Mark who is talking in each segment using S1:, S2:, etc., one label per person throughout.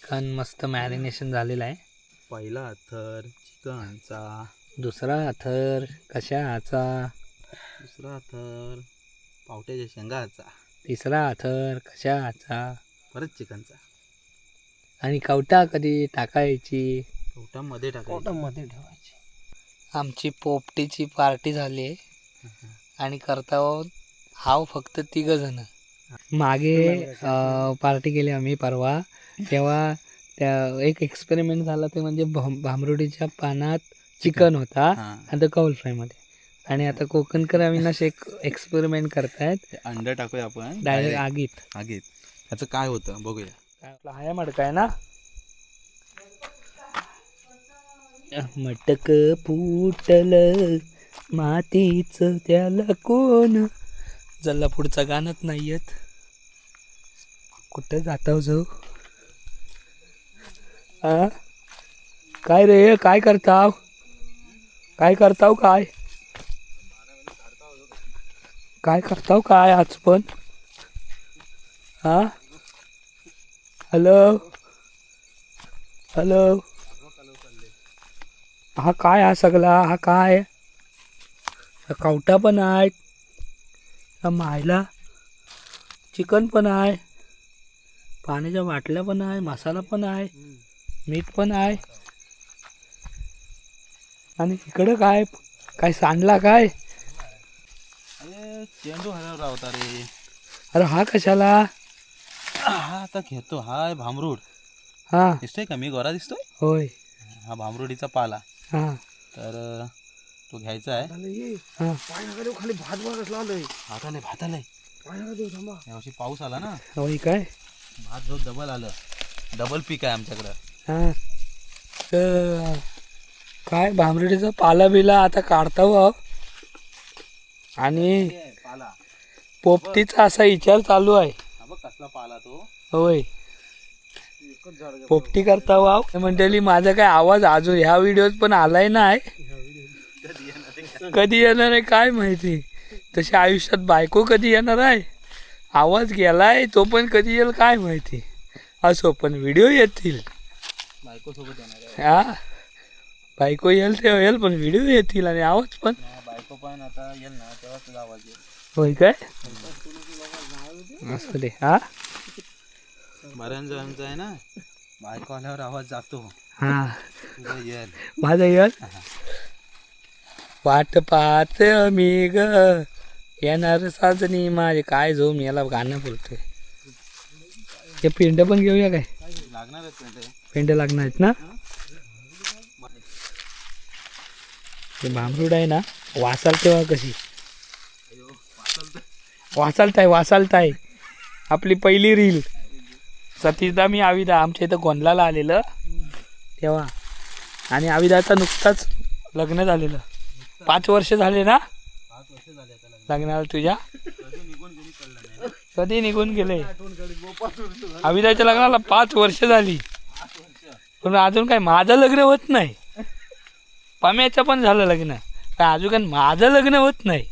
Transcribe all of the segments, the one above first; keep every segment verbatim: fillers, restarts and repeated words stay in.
S1: Chicken मस्त marination झालेलं आहे.
S2: पहिला अथर चिकनचा,
S1: दुसरा अथर कशाचा,
S2: दुसरा अथर पावट्याच्या शेंगाचा,
S1: तिसरा अथर कशाचा,
S2: परत चिकनचा.
S1: आणि कवटा कधी टाकायची?
S2: कवटामध्ये टाकायचं.
S3: मध्ये ठेवायची.
S1: आमची पोपटीची पार्टी झाली आहे आणि करता हाव फक्त तिघ जण. मागे पार्टी केली आम्ही परवा, तेव्हा त्या एक एक्सपेरिमेंट झाला ते म्हणजे भाम भांबरुडीच्या पानात चिकन होता आणि कौल फ्रायमध्ये. आणि आता कोकणकर अविनाश एक एक्सपेरिमेंट करतायत,
S2: अंड टाकूया आपण
S1: डायरेक्ट आगीत.
S2: आगीत ह्याचं काय होतं बघूया.
S1: हाय मडकाय ना, मटक फुटल मातीच त्याला कोण. जल्ला पुढचं गाणंच नाही येत. कुठं जाताव जाऊ? आ काय रे, काय करताव, काय करताव, काय काय करताव काय आज पण? हा हॅलो हॅलो, हा काय हा सगळा, हा काय कवटा पण आहे, मायला चिकन पण आहे, पाण्याच्या बाटल्या पण आहे, मसाला पण आहे, मीठ पण आहे. आणि इकडं काय काय सांडला काय?
S2: अरे चेंडू हरवला होता रे.
S1: अरे हा कशाला?
S2: हा आता घेतो. हा भांबरूड
S1: हा
S2: दिसतोय का, मी गोरा दिसतोय?
S1: होय.
S2: हा भांबरुडीचा पाला.
S1: हा
S2: तर तो घ्यायचा आहे.
S1: हा
S3: खाली भात बघत लावलंय.
S2: भात आलंय, भात आलंय. यावर्षी पाऊस आला ना,
S1: होय काय?
S2: भात जो डबल आलं, डबल पीक आहे आमच्याकडं.
S1: हा तर काय भांबरुडीचा पाला बिला आता काढता हो. आणि
S2: पाला
S1: पोपटीचा असा विचार चालू आहे.
S2: हा बघ कसला पाला तो.
S1: होय, पोपटी करता वाव मंडळी. माझा काय आवाज अजून ह्या व्हिडिओत पण आलाय नाही, कधी येणार आहे काय माहिती. तशी आयुष्यात बायको कधी येणार आहे, आवाज गेलाय तो पण कधी येईल काय माहिती. असो पण व्हिडिओ येतील.
S2: बायको सोबत येणार आहे.
S1: हा बायको येईल तेव्हा येईल, पण व्हिडिओ येतील आणि आवाज पण.
S2: बायको पण आता येईल ना तेव्हा तुझा आवाज येईल.
S1: होय काय? असू दे. हा
S2: बऱ्याच जणांचा आहे ना, बायको आल्यावर आवाज जातो.
S1: हा
S2: तुझा येईल.
S1: माझा येईल. वाट पाहत मी ग येणार साजनी माझे. काय जो मी याला गाणं बोलतोय. हे पेंड पण घेऊया काय?
S2: लागणार आहेत
S1: पेंड लागणार आहेत ना. हे भांबरूड आहे ना, वासाल तेव्हा कशी वासालताय वासालताय. आपली पहिली रील सतीशदा मी आविदा आमच्या इथं गोंधळाला आलेलं तेव्हा, आणि आविदाचं नुकताच लग्न झालेलं. पाच वर्ष झाले ना लग्नाला तुझ्या? कधी निघून गेले? आविदाच्या लग्नाला पाच वर्ष झाली, पण अजून काय माझं लग्न होत नाही. पम्याचं पण झालं लग्न, काय अजून काय माझं लग्न होत नाही.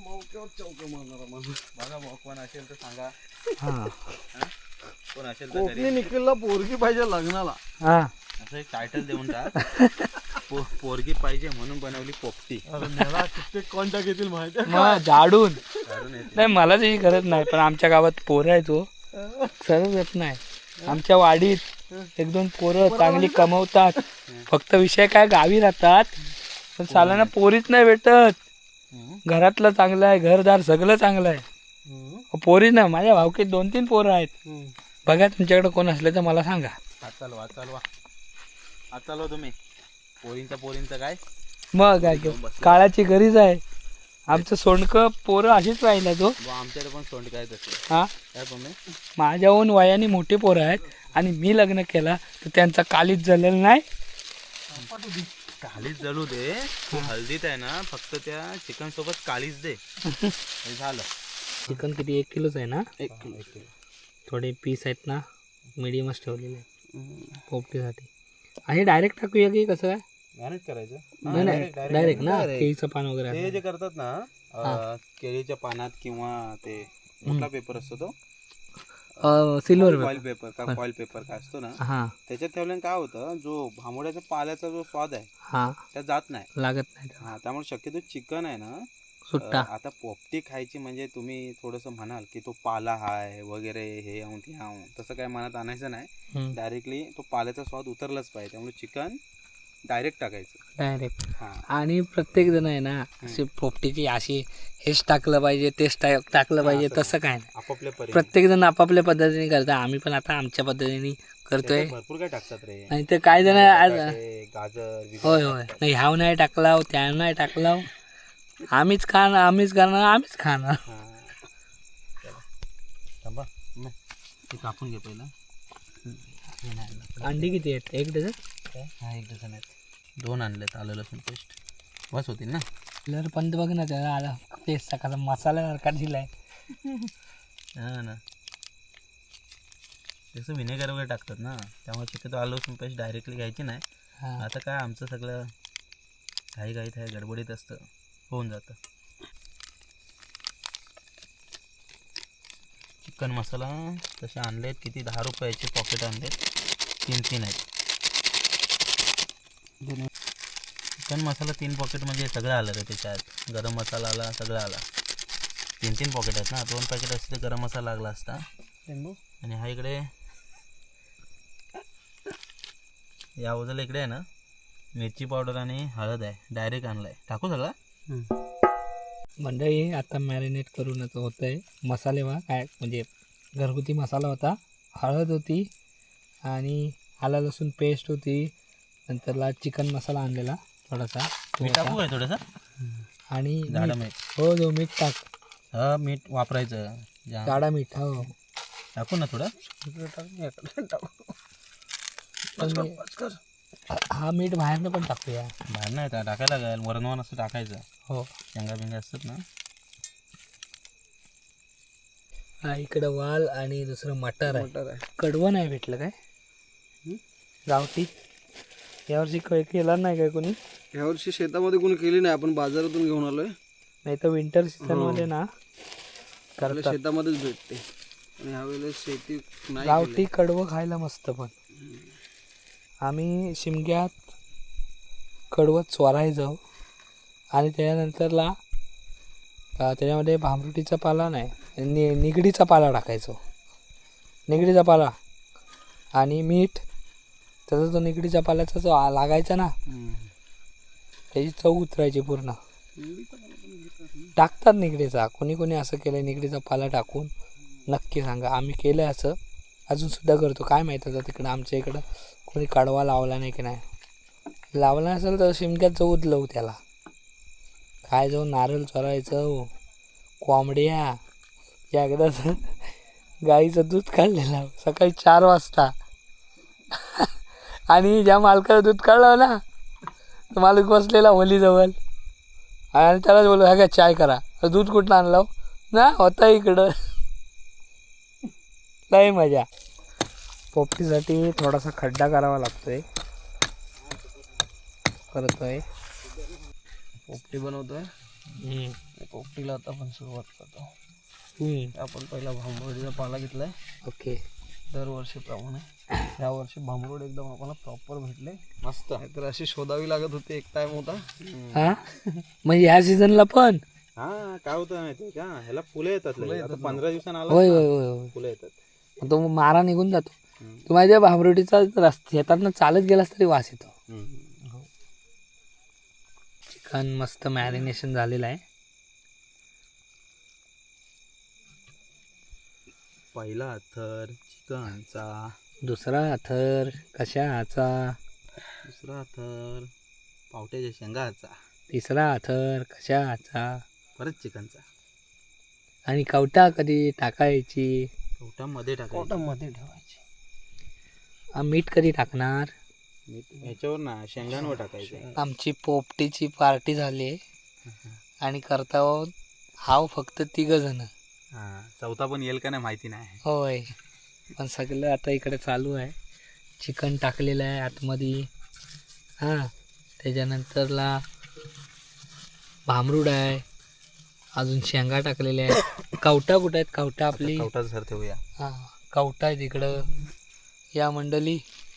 S2: कोण असेल तर सांगा.
S1: हा
S2: कोण असेल तर
S3: कोकणी निखिलला पोरगी पाहिजे लग्नाला.
S1: हा
S2: असं एक टायटल देऊन टाक. पो पोरगी पाहिजे म्हणून बनवली पोपटी.
S3: कित्येक कॉन्टॅक्ट येतील माहिती आहे.
S1: मग झाडून
S2: काढून येते.
S1: नाही, मला त्याची गरज नाही, पण आमच्या गावात पोरं आहे तो सरळ येत नाही. आमच्या वाडीत एक दोन पोरं चांगली कमवतात, फक्त विषय काय गावी राहतात, पण सालाना पोरीच नाही भेटत. घरातलं चांगलं आहे, घरदार सगळं चांगलं आहे, पोरी ना. माझ्या भावकीत दोन तीन पोरं आहेत. बघा तुमच्याकडे कोण असले तर मला सांगा.
S2: हात चालवा, हात चालवा, हात चालवा तुम्ही. पोरींचा पोरींचा काय
S1: मग काय काळाची गरज आहे. आमचं सोंडकं पोरं अशीच राहिला तो.
S2: आमच्याकडे पण सोंड काय तसं.
S1: हा
S2: काय पण
S1: माझ्याहून वयाने मोठे पोरं आहेत, आणि मी लग्न केला तर त्यांचा कालीच झालेलं नाही.
S2: कालीच जळू दे. तू हल्दीत आहे ना, फक्त त्या चिकन सोबत कालीच दे. हे झालं.
S1: चिकन किती, एक किलोच आहे ना?
S2: एक किलो एक किलो
S1: थोडे पीस आहेत ना, मिडियमच ठेवलेले आहेत पोपटीसाठी. आणि डायरेक्ट टाकूया की कसं काय?
S2: मॅनेज करायचं.
S1: नाही नाही डायरेक्ट ना, केळीचं पान वगैरे
S2: ते जे करतात ना, केळीच्या पानात किंवा ते मोठा पेपर असतो तो
S1: सिल्वर
S2: फॉईल पेपर का फॉईल पेपर काय असतो ना
S1: हा
S2: त्याच्यात ठेवल्याने काय होतं जो भांबोड्याचा पाल्याचा जो स्वाद आहे
S1: हा
S2: त्या जात नाही.
S1: लागत नाही
S2: हा त्यामुळे शक्यतो चिकन आहे ना
S1: सुट्टा.
S2: अं, आता पोपटी खायची म्हणजे तुम्ही थोडंसं म्हणाल की तो पाला हाय वगैरे हे आऊन ते आऊन तसं काय मनात आणायचं नाही.
S1: हम्म.
S2: डायरेक्टली तो पाल्याचा स्वाद उतरलाच पाहिजे त्यामुळे चिकन डायरेक्ट टाकायचं.
S1: डायरेक्ट.
S2: हा
S1: आणि प्रत्येक जण आहे ना अशी पोपटीची अशी हेच टाकलं पाहिजे तेच टा- टाकलं पाहिजे
S2: असं
S1: तसं काय नाही.
S2: आपापल्या परीने.
S1: प्रत्येक जण आपापल्या पद्धतीने करतात. आम्ही पण आता आमच्या पद्धतीने करतोय.
S2: त्याच्यात भरपूर काय टाकतात रे.
S1: नाही तर काय जण आज-
S2: बटाटे, गाजर बिजर
S1: होय होय
S2: टाकतात.
S1: नाही ह्याव नाही टाकलाव त्या नाही टाकलाव आम्हीच खाणार आम्हीच करणार आम्हीच खाणार.
S2: हा. चला. थांबा मग ते कापून घे पहिला. हे नाही आणलं.
S1: अंडी किती आहेत एक डझन?
S2: काय? हा एक डझन आहेत. दोन आणलेत आलं लसूण पेस्ट बस होतील ना.
S1: लर पण बघ ना त्याला आला पेस्ट टाकायचा मसाला सारखा दिलाय.
S2: हा ना जसं विनेगर वगैरे टाकतात ना त्यामुळे शक्यतो आलं लसूण पेस्ट डायरेक्टली घ्यायची नाही.
S1: हा.
S2: आता काय आमचं सगळं घाई घाईत आहे गडबडीत असतं होऊन जातं. चिकन मसाला तसे आणलेत किती दहा रुपयाचे पॉकेट आणलेत तीन तीन आहेत. चिकन मसाला तीन पॉकेट म्हणजे सगळं आलं रे त्याच्यात. गरम मसाला आला सगळं आला. तीन तीन पॉकेट आहेत ना दोन पॅकेट असते तर गरम मसाला लागला असता. आणि हा इकडे या बाजूला इकडे आहे ना मिरची पावडर आणि हळद आहे डायरेक्ट आणलाय. टाकू सगळं
S1: मंडळी आता मॅरिनेट करूनच होतं आहे. मसाले वा काय म्हणजे घरगुती मसाला होता, हळद होती आणि आला लसूण पेस्ट होती, नंतरला चिकन मसाला आणलेला थोडासा तो
S2: मीठ टाकू
S1: होता.
S2: काय थोडंसं
S1: आणि
S2: जाडं
S1: मीठ.
S2: मीठ.
S1: हो जो मीठ टाक
S2: हा मीठ वापरायचं जाम.
S1: जाडा मीठ हो.
S2: टाकू ना थोडं.
S1: पण मी- हा मीठ बाहेरनं पण टाकूया.
S2: बाहेर नाही का टाकायला लागेल वरणवान असं टाकायचं.
S1: हो
S2: शेंगा बिंगा असतात ना.
S1: हा इकडं वाल आणि दुसरं मटर आहे.
S3: मटर आहे.
S1: कडवं नाही भेटलं काय गावठी यावर्षी काय केला नाही काय कोणी?
S3: यावर्षी शेतामध्ये कोणी केली नाही आपण बाजारातून घेऊन आलोय.
S1: नाही तर विंटर सीझन मध्ये ना
S3: आपल्या
S1: करतात
S3: शेतामध्येच भेटते आणि ह्यावेळेला शेती नाही
S1: गावठी कडवं खायला मस्त. पण आम्ही शिमग्यात कडवं चोरायचं आणि त्याच्यानंतरला अं, त्याच्यामध्ये भांबरुटीचा पाला नाही नि निगडीचा पाला टाकायचो. निगडीचा पाला आणि मीठ त्याचा तो निगडीच्या पाल्याचा जो आ- लागायचा ना
S3: केली.
S1: त्याची चव उतरायची पूर्ण. टाकतात निगडीचा. कोणी कोणी असं केलं निगडीचा पाला टाकून नक्की सांगा. आम्ही केलं असं अजून सुद्धा करतो. काय माहीत आता तिकडं आमच्या इकडं कोणी कडवा लावला नाही की नाही. लावला नसेल तर शिमक्यात जाऊ लव त्याला काय जाऊन नारळ चोरायचं कोंबड्या. एकदा तर गाईचं दूध काढलेलं सकाळी चार वाजता आणि ज्या मालकाचं दूध काढलं ना तो मालक बसलेला होलीजवळ आणि त्यालाच बोललो ह्या काय चाय करा. दूध कुठलं आणलं ना होता इकडं. लय मजा. पोपटीसाठी थोडासा खड्डा करावा लागतोय. करतोय
S3: पोपटी बनवतोय.
S1: हम्म.
S3: पोपटीला आता आपण सुरुवात करतो.
S1: हम्म.
S3: आपण पहिला भांबरोडीचा पाला घेतलाय
S1: ओके.
S3: दरवर्षीप्रमाणे. या वर्षी भांबरोड एकदम आपल्याला प्रॉपर भेटले.
S2: मस्त.
S3: तर अशी शोधावी लागत होती. एक टाइम होता.
S1: हा म्हणजे ह्या सीझनला पण
S2: हा काय होतं माहिती का ह्याला फुलं येतात लगे. आता पंधरा दिवसांना आला
S1: होय होय होय होय.
S2: फुलं येतात.
S1: मग तो मारा निघून जातो.
S2: हम्म.
S1: तू माझ्या भांबरोटीचा रस्ता शेतातनं चालत गेलास तरी वास येतो.
S2: हम्म.
S1: चिकन मस्त मॅरिनेशन झालेलं आहे.
S2: पहिला थर चिकनचा,
S1: दुसरा थर कशाचा,
S2: दुसरा थर पावट्याच्या शेंगाचा,
S1: तिसरा थर कशाचा
S2: परत चिकनचा.
S1: आणि कवटा कधी टाकायची.
S2: कवटामध्ये टाकायचं.
S3: कोटामध्ये ठेवायची.
S1: आ, मीठ कधी टाकणार.
S2: मीठ ह्याच्यावर ना शेंगांवर टाकायचं.
S1: आमची पोपटीची पार्टी झाली आणि करता हाव फक्त तिघ जण.
S2: हा चौथा पण येईल का नाही माहिती नाही.
S1: होय पण सगळं आता इकडे चालू आहे. चिकन टाकलेलं आहे आतमध्ये. हां त्याच्यानंतरला भामरूड आहे. अजून शेंगा टाकलेल्या आहेत. कवटा कुठं आहेत कवटा आपली.
S2: कवटाच सर ठेवूया.
S1: हां कवटा आहे तिकडं. या मंडळी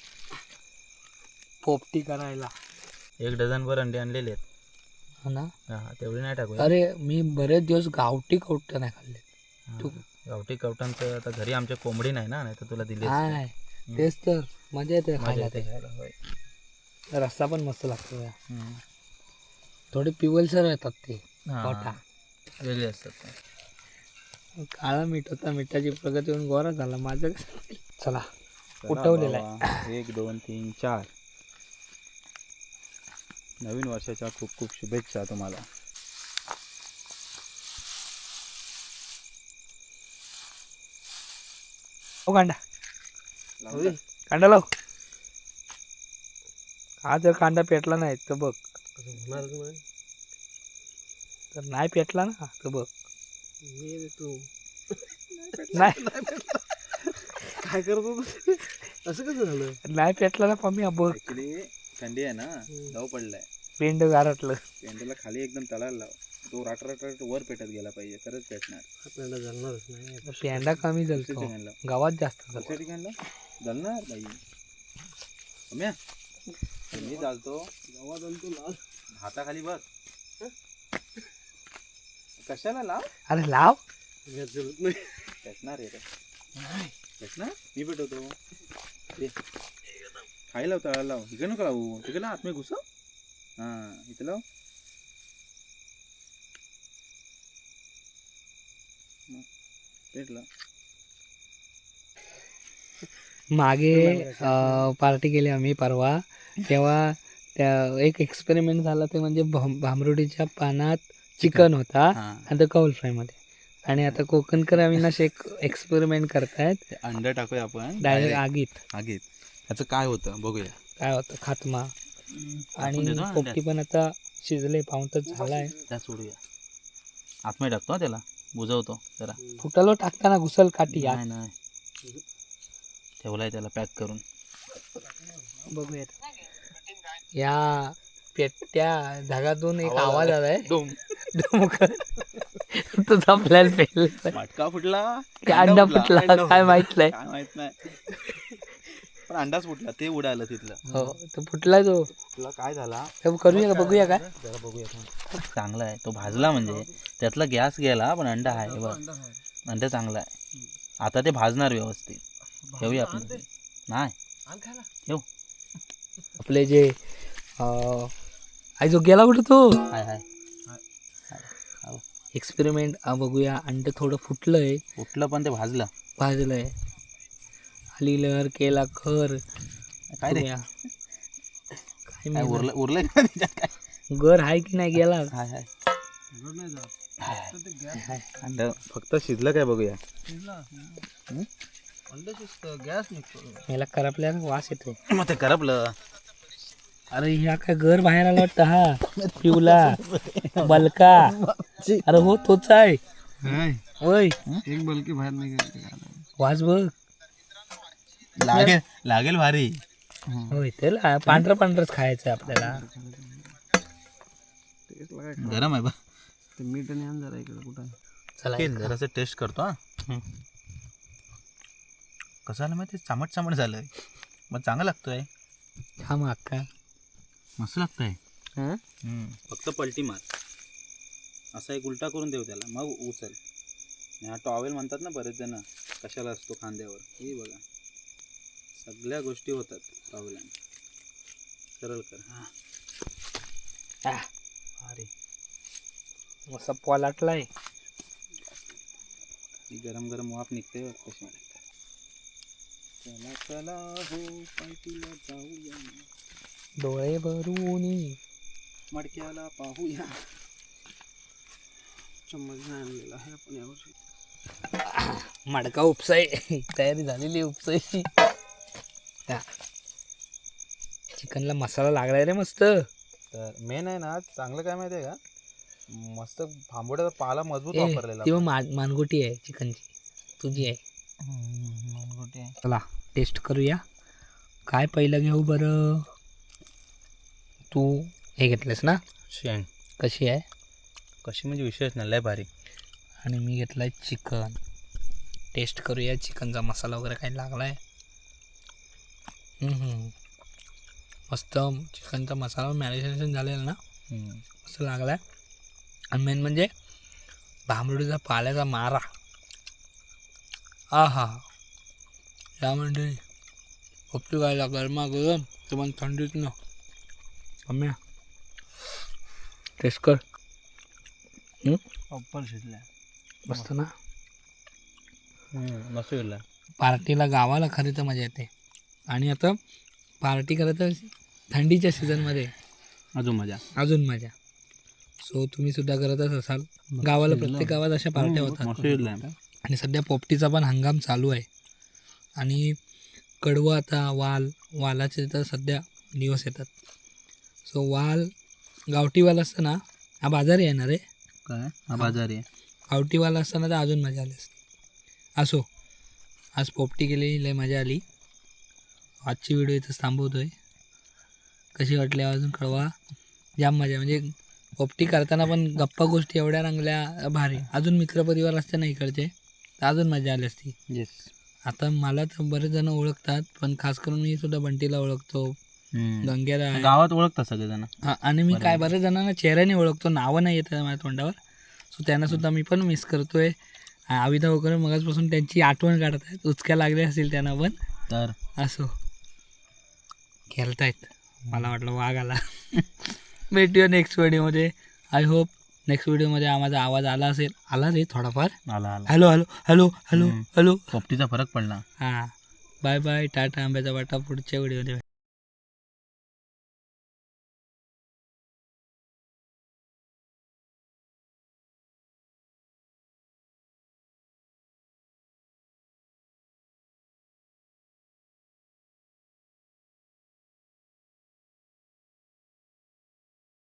S1: पोपटी करायला.
S2: एक डझनभर अंडे आणलेले आहेत.
S1: हो ना.
S2: हा तेवढी नाही टाकू.
S1: अरे मी बरेच दिवस गावठी कवटा नाही खाल्ले. तू
S2: गावठी कवटांचं आता घरी आमच्या कोंबडी नाही ना, नाही तर तुला दिली
S1: हाय तेच तर मजा येते
S2: मजा
S1: खायला.
S2: येते
S1: ते
S2: खायला, होय.
S1: रस्सा पण मस्त लागतो. या
S2: हम्म.
S1: थोडे पिवलसर येतात ते
S2: हा,
S1: कवटा.
S2: वेगळे असतात ते.
S1: काळा मीठ होता, मिठाची प्रगती होऊन गोरा झाला माझं. चला उठवलेला आहे.
S4: आहे एक दोन तीन चार. नवीन वर्षाच्या खूप खूप शुभेच्छा तुम्हाला.
S1: हो कांदा कांदा लाव. हा जर कांदा पेटला नाही तर बघ. तर नाही पेटला ना तर बघ.
S3: तू
S1: नाही
S3: काय करतो तू? असं कसं झालं?
S1: नाही पेटला ना पम्मी बघ.
S4: ऍक्च्युली थंडी आहे ना, दव पडलाय.
S1: पेंड गारटलं.
S4: पेंडूला खाली एकदम तळायला लाव. तो राट राट राट वर पेटत गेला पाहिजे, तरच पेटणार.
S3: हा पेंडा जळणारच नाही.
S1: पेंडा कमी
S4: दुसऱ्या
S1: जलतो,
S4: ठिकाणी लाव.
S1: गावात जास्त जलतो.
S4: दुसऱ्या ठिकाणी लाव. जळणार बाई. सम्या, मी चालतो
S3: गावात आणि तू लाल
S4: हाताखाली बघ. कशाला लाव?
S1: अरे लाव.
S3: गॅस जळत नाही.
S4: पेटणार आहे रे. पेटणार मी पेटवतो. दे. खाई लाव, तळाला लाव. इकडे नको लावू, तिकडे आतमध्ये घुसव. हां इथं लाव. पेटला.
S1: मागे पार्टी केली आम्ही परवा. तेव्हा त्या एक एक्सपेरिमेंट झाला, ते म्हणजे भाम- भांबरुडीच्या पानात चिकन होता
S4: हां
S1: आणि ते कौल फ्राय मध्ये. आणि आता कोकणकर अविनाश एक एक्सपेरिमेंट करतायत.
S4: ते अंडं टाकूया आपण
S1: डायरेक्ट आगीत.
S4: आगीत. ह्याचं काय होतं बघूया.
S1: काय होतं खात्मा. आणि
S2: देतो ना
S1: पोपटी पण आता शिजले, पाऊण तास झालाय.
S2: त्या सोडूया. आतमध्ये टाकतो हा त्याला, बुजवतो जरा.
S1: फुटालो टाकताना घुसल काठी आत.
S2: नाही नाही ठेवलाय त्याला पॅक करून.
S1: बघूया या पेट्या धागातून एक आवाज आलाय. डुमकर. तुझा प्लॅन फेल.
S4: मटका फुटला
S1: अंडा फुटला काय माहित नाही.
S4: काय माहित नाही. पण अंडाच फुटला, ते उडालं तिथलं.
S1: हो तो फुटला. तो
S4: तुला काय झाला
S1: हे करूया का, बघूया काय.
S4: जरा बघूया थांब.
S2: चांगला आहे तो भाजला, म्हणजे त्यातला गॅस गेला पण अंडा आहे बघ. अंडा चांगला आहे. आता ते भाजणार व्यवस्थित. ठेवूया आपण. नाही ठेव.
S1: आपले जे अं, आई जो गेला कुठे तो
S2: हाय हाय
S1: एक्सपेरिमेंट बघूया. अंड थोडं फुटलंय,
S2: उठलं पण ते भाजलं.
S1: भाजलंय. आली लहर केला खर.
S2: काय रे
S1: बघूया. काय
S2: काय
S1: माहित.
S2: उरलं उरलंय का त्याच्यात काय?
S1: घर आहे की नाही गेला.
S2: हाय हाय
S3: जळत नाही जात. फक्त ते गॅस
S4: अंड फक्त शिजलं काय बघूया.
S3: शिजला. अंडा शिजतं, गॅस निघतो.
S1: याला करपल्याला वास येतो.
S2: मग ते करपलं.
S1: अरे ह्या काय घर बाहेर आला वाटतं. हा पिवला बलका. अरे हो तोच आहे. होय
S3: एक बलकी बाहेर नाही.
S1: वास बघ.
S2: लागेल लागेल भारी.
S1: होय त्याला पांढरं पांढरच खायचं आपल्याला.
S2: गरम आहे बा.
S3: ते मीठ आणि आण जरा इकडे कुठं.
S1: चला
S2: जरासं टेस्ट करतो हा. कसं झालं माहिती, चामट चामट झालंय मग चांगलं लागतोय.
S1: हा मग अक्का
S2: मस्त लागतंय.
S1: हं?
S4: फक्त पलटी मार. असा एक उलटा करून देऊ त्याला, मग उचल. आणि हा टॉवेल म्हणतात ना बरेच जण, कशाला असतो खांद्यावर. हे बघा सगळ्या गोष्टी होतात टॉवेलाने. सरळ कर.
S1: आ, अरे मस्त पोलाटलाय.
S4: ही गरम गरम वाफ निघते बघ कशी. चला चला हो पार्टीला जाऊया,
S1: डोळे भरून
S4: मडक्याला पाहूया.
S3: चम्मच नाही आणलेला आहे आपण यावर्षी.
S1: मडका उपसाय तयारी झालेली उपसायची. चिकनला मसाला लागलाय रे मस्त.
S4: तर मेन आहे ना चांगलं काय माहिती आहे का, मस्त भांबोड्याचा पाला मजबूत
S1: ए,
S4: वापरलेला.
S1: ती मान मानगोटी आहे चिकनची, तुझी आहे. चला टेस्ट करूया. काय पहिलं घेऊ बरं. तू हे घेतलंस ना.
S2: शेण
S1: कशी आहे.
S2: कशी म्हणजे विशेष नाही, लय भारी.
S1: आणि मी घेतलाय चिकन. टेस्ट करूया चिकनचा मसाला वगैरे काही लागला आहे. मस्त चिकनचा मसाला मॅरिनेशन झालेला ना, मस्त लागला आहे. आणि मेन म्हणजे भांबरुडीचा पाल्याचा मारा. हा हा या म्हणजे पोपटी खायला गरमा गरम ते पण थंडीत ना. आम्ही टेस्ट कर.
S3: प्रॉपर शिजलाय.
S1: मस्त ना.
S2: मस्त गेला.
S1: पार्टीला गावाला खरी तर मजा येते. आणि आता पार्टी करत थंडीच्या सीझनमध्ये
S2: अजून मजा.
S1: अजून मजा. सो तुम्ही सुद्धा करतच असाल. गावाला प्रत्येक गावात अशा पार्ट्या होतात.
S2: मस्त गेला.
S1: आणि सध्या पोपटीचा पण हंगाम चालू आहे. आणि कडवं आता वाल वालाचे तर सध्या दिवस येतात. सो वाल गावठी वाल असताना हा बाजारी येणार आहे.
S2: काय हा बाजारी आहे.
S1: गावठी वाल असताना तर अजून मजा आली असते. असो आज पोपटी केली, लय मजा आली. आजची व्हिडिओ इथंच थांबवतोय. कशी वाटली अजून कळवा. जाम मजा. म्हणजे पोपटी करताना पण गप्पा गोष्टी एवढ्या रंगल्या भारी. अजून मित्रपरिवार असते ना इकडचे तर अजून मजा आली असती.
S2: येस.
S1: आता मला तर बरेच जण ओळखतात, पण खास करून मी सुद्धा बंटीला ओळखतो, गंग्याला आहे.
S2: गावात ओळखतात सगळेजण.
S1: हा, आणि मी काय बरेच जणांना चेहऱ्याने ओळखतो, नावं नाही येत माझ्या तोंडावर. सो त्यांना सुद्धा मी पण मिस करतोय. आविदा वगैरे मगाचपासून त्यांची आठवण काढत आहेत. उचक्या लागल्या असतील त्यांना पण.
S2: तर
S1: असो खेळतायत. मला वाटलं वाघ आला. भेटूया नेक्स्ट व्हिडिओमध्ये. आय होप नेक्स्ट व्हिडिओमध्ये माझा आवाज आला असेल. आला रे थोडाफार.
S2: आला आला.
S1: Hello hello hello hello hello.
S2: पोपटीचा फरक पडला.
S1: हां बाय बाय. टाटा आंब्याचा वाटा. पुढच्या व्हिडिओमध्ये.